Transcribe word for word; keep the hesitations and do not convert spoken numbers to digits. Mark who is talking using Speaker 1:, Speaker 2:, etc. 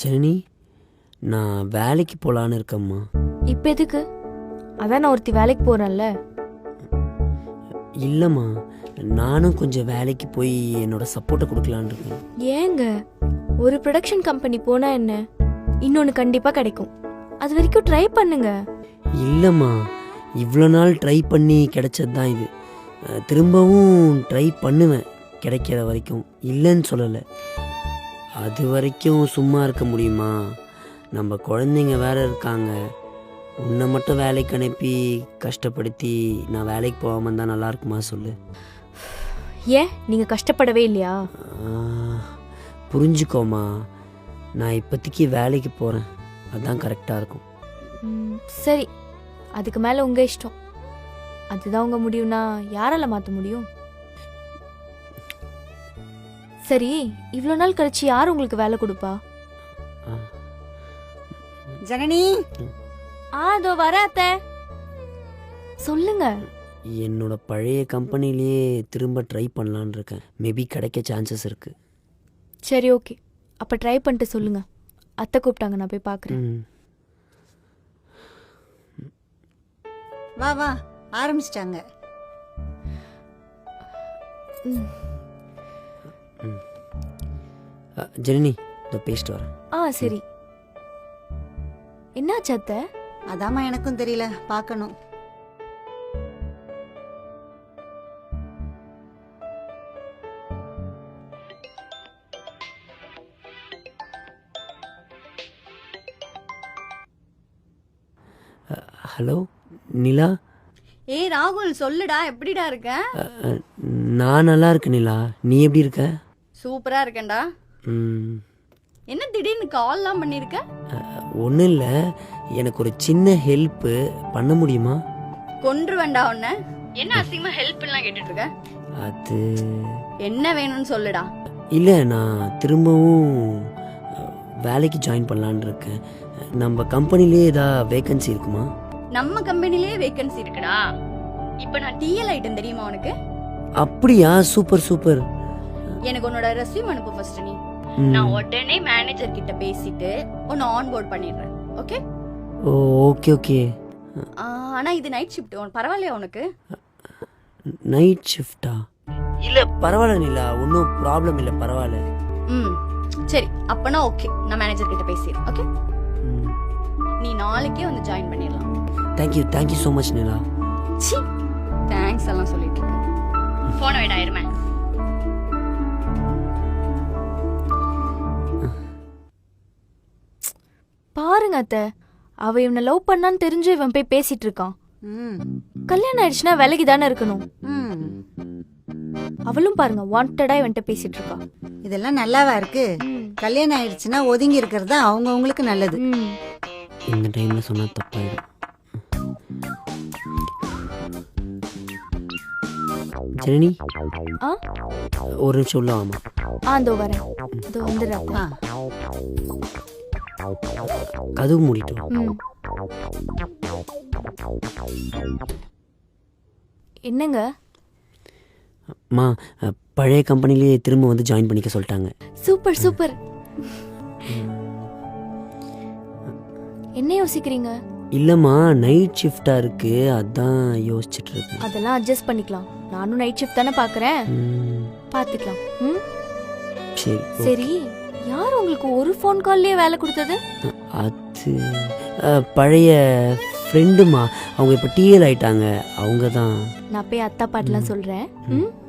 Speaker 1: ஜனனி, நான் வேலைக்கு போகலான்னு இருக்கேம்மா.
Speaker 2: இப்போ எதுக்கு? அதான் நான் ஒருத்தி வேலைக்கு போகிறேன்ல.
Speaker 1: இல்லைம்மா, நானும் கொஞ்சம் வேலைக்கு போய் என்னோட சப்போர்ட்டை கொடுக்கலான்னு இருக்கேன்.
Speaker 2: ஏங்க, ஒரு ப்ரொடக்ஷன் கம்பெனி போனால் என்ன, இன்னொன்று கண்டிப்பாக கிடைக்கும். அது வரைக்கும் ட்ரை பண்ணுங்க.
Speaker 1: இல்லைம்மா, இவ்வளோ நாள் ட்ரை பண்ணி கிடைச்சது தான் இது. அஹ், திரும்பவும் ட்ரை பண்ணுவேன் கிடைக்கிற வரைக்கும். இல்லைன்னு சொல்லலை. அது வரைக்கும் சும்மா இருக்க முடியுமா? நம்ம குழந்தைங்க வேற இருக்காங்க. உன்னை மட்டும் வேலைக்கு அனுப்பி கஷ்டப்படுத்தி நான் வேலைக்கு போகாமல் இருந்தால் நல்லா இருக்குமா சொல்லு.
Speaker 2: ஏன் நீங்கள் கஷ்டப்படவே இல்லையா?
Speaker 1: ஆஹ், புரிஞ்சுக்கோமா, நான் இப்போதைக்கு வேலைக்கு போகிறேன். அதுதான் கரெக்டாக இருக்கும்.
Speaker 2: ம், சரி, அதுக்கு மேலே உங்கள் இஷ்டம். அதுதான் உங்கள் முடிவுனா யாரால மாற்ற முடியும்? சரி, இவ்வளோ நாள் கழிச்சு யார் உங்களுக்கு வேலை கொடுப்பா?
Speaker 3: ஜனனி,
Speaker 2: ஆ அதோ வர அத்தை. சொல்லுங்க.
Speaker 1: என்னோட பழைய கம்பெனிலேயே திரும்ப ட்ரை பண்ணலான்னு இருக்கேன். மேபி கிடைக்க சான்சஸ் இருக்கு.
Speaker 2: சரி, ஓகே, அப்போ ட்ரை பண்ணிட்டு சொல்லுங்க. அத்தை கூப்பிட்டாங்க, நான் போய் பார்க்குறேன்.
Speaker 1: ம்.
Speaker 3: வா வா, ஆரம்பிச்சிட்டாங்க.
Speaker 2: ம்.
Speaker 1: அஹ், ஜனனி, இதை பேசிட்டு வரேன்.
Speaker 2: ஆ சரி. என்னாச்சு அத்தை?
Speaker 3: அதாம்மா எனக்கும் தெரியல, பார்க்கணும்.
Speaker 1: ஹலோ நிலா.
Speaker 4: ஏய் ராகுல், சொல்லுடா, எப்படிடா இருக்க?
Speaker 1: அஹ், அஹ், நான் நல்லா இருக்கேன் நிலா. நீ எப்படி இருக்க?
Speaker 4: சூப்பரா இருக்கேன்டா.
Speaker 1: ம்,
Speaker 4: என்ன திடீர்னு கால்லாம் பண்ணிருக்க?
Speaker 1: ஒன்றும் இல்லை, எனக்கு ஒரு சின்ன ஹெல்ப்பு பண்ண முடியுமா?
Speaker 4: கொன்றுவேண்டா உன்ன. என்ன அசிங்கமா ஹெல்ப் எல்லாம் கேட்டுட்டு இருக்க?
Speaker 1: அது
Speaker 4: என்ன வேணும்னு சொல்லுடா.
Speaker 1: இல்லை, நான் திரும்பவும் அஹ், வேலைக்கு ஜாயின் பண்ணலான்னு இருக்கேன். நம்ம கம்பெனிலே ஏதாவது வேகன்சி இருக்குமா?
Speaker 4: நம்ம கம்பெனிலேயே வேகன்சி இருக்குடா. இப்போ நான் டிஎல் ஐட்டம் தெரியுமா உனக்கு?
Speaker 1: அப்படியா? Super super.
Speaker 4: எனக்கு உன்னோட ரெஸ்யூம் அனுப்பு ஃபர்ஸ்ட் நீ.
Speaker 1: ம்.
Speaker 4: நான் உடனே மேனேஜர் கிட்ட பேசிட்டு உன்னை ஆன் போர்ட் பண்ணிடுறேன். ஓகே?
Speaker 1: Oh okay okay.
Speaker 4: ஆனா இது நைட் ஷிஃப்ட், பரவாயில்லையா உனக்கு?
Speaker 1: நைட் ஷிஃப்டா? இல்லை பரவாயில்ல நிலா, ஒன்றும் ப்ராப்ளம் இல்லை, பரவாயில்ல.
Speaker 4: ம் சரி, அப்பனா ஓகே, நான் மேனேஜர் கிட்ட பேசிடுறேன். ஓகே, நீ நாளைக்கே வந்து ஜாயின் பண்ணிடலாம்.
Speaker 1: Thank you thank you so much Nila.
Speaker 4: சி, தேங்க்ஸ் எல்லாம் சொல்லிட்டு இருக்கேன். போன விட ஆயிருமே.
Speaker 2: பாருங்க அத்தை, அவ இவனை லவ் பண்ணான்னு தெரிஞ்சு இவன் போய் பேசிட்டு இருக்கான்.
Speaker 3: ம்,
Speaker 2: கல்யாணம் ஆயிடுச்சுன்னா விலகி தானே இருக்கணும்.
Speaker 3: ம்.
Speaker 2: அவளும் பாருங்க, வாண்டடா இவன்ட்ட பேசிட்டு இருக்கா.
Speaker 3: இதெல்லாம் நல்லாவா இருக்கு? கல்யாணம் ஆயிடுச்சுன்னா ஒதுங்கி இருக்கிறது தான் அவங்கவுங்களுக்கு நல்லது.
Speaker 2: ம்.
Speaker 1: இந்த டைமில் சொன்னால் தப்பாயிடும். ஜனனி,
Speaker 2: ஆ
Speaker 1: ஒரு நிமிஷம் உள்ள வாமா.
Speaker 2: ஆ இதோ வரேன், இதோ வந்துடுறேன்.
Speaker 3: ஆ,
Speaker 1: கதவு மூடிட்டு வா.
Speaker 2: ம். என்னங்க?
Speaker 1: அம்மா, அஹ், பழைய கம்பெனிலேயே திரும்ப வந்து ஜாயின் பண்ணிக்க சொல்லிட்டாங்க.
Speaker 2: Super super. என்ன யோசிக்கிறீங்க?
Speaker 1: இல்லைம்மா, நைட் ஷிஃப்டாக இருக்கு, அதான் யோசிச்சுட்டு இருக்கேன்.
Speaker 2: அதெல்லாம் அட்ஜஸ்ட் பண்ணிக்கலாம். நானும் நைட் ஷிஃப்ட் தானே பார்க்குறேன்,
Speaker 1: ம்,
Speaker 2: பார்த்துக்கலாம். ம்
Speaker 1: சரி.
Speaker 2: சரி, யார் உங்களுக்கு ஒரு ஃபோன் கால்லேயே வேலை கொடுத்தது?
Speaker 1: அது அஹ், பழைய ஃப்ரெண்டுமா, அவங்க இப்போ டிஎல் ஆயிட்டாங்க, அவங்க தான்.
Speaker 2: நான் போய் அத்தா பாட்டெலாம் சொல்கிறேன். ம்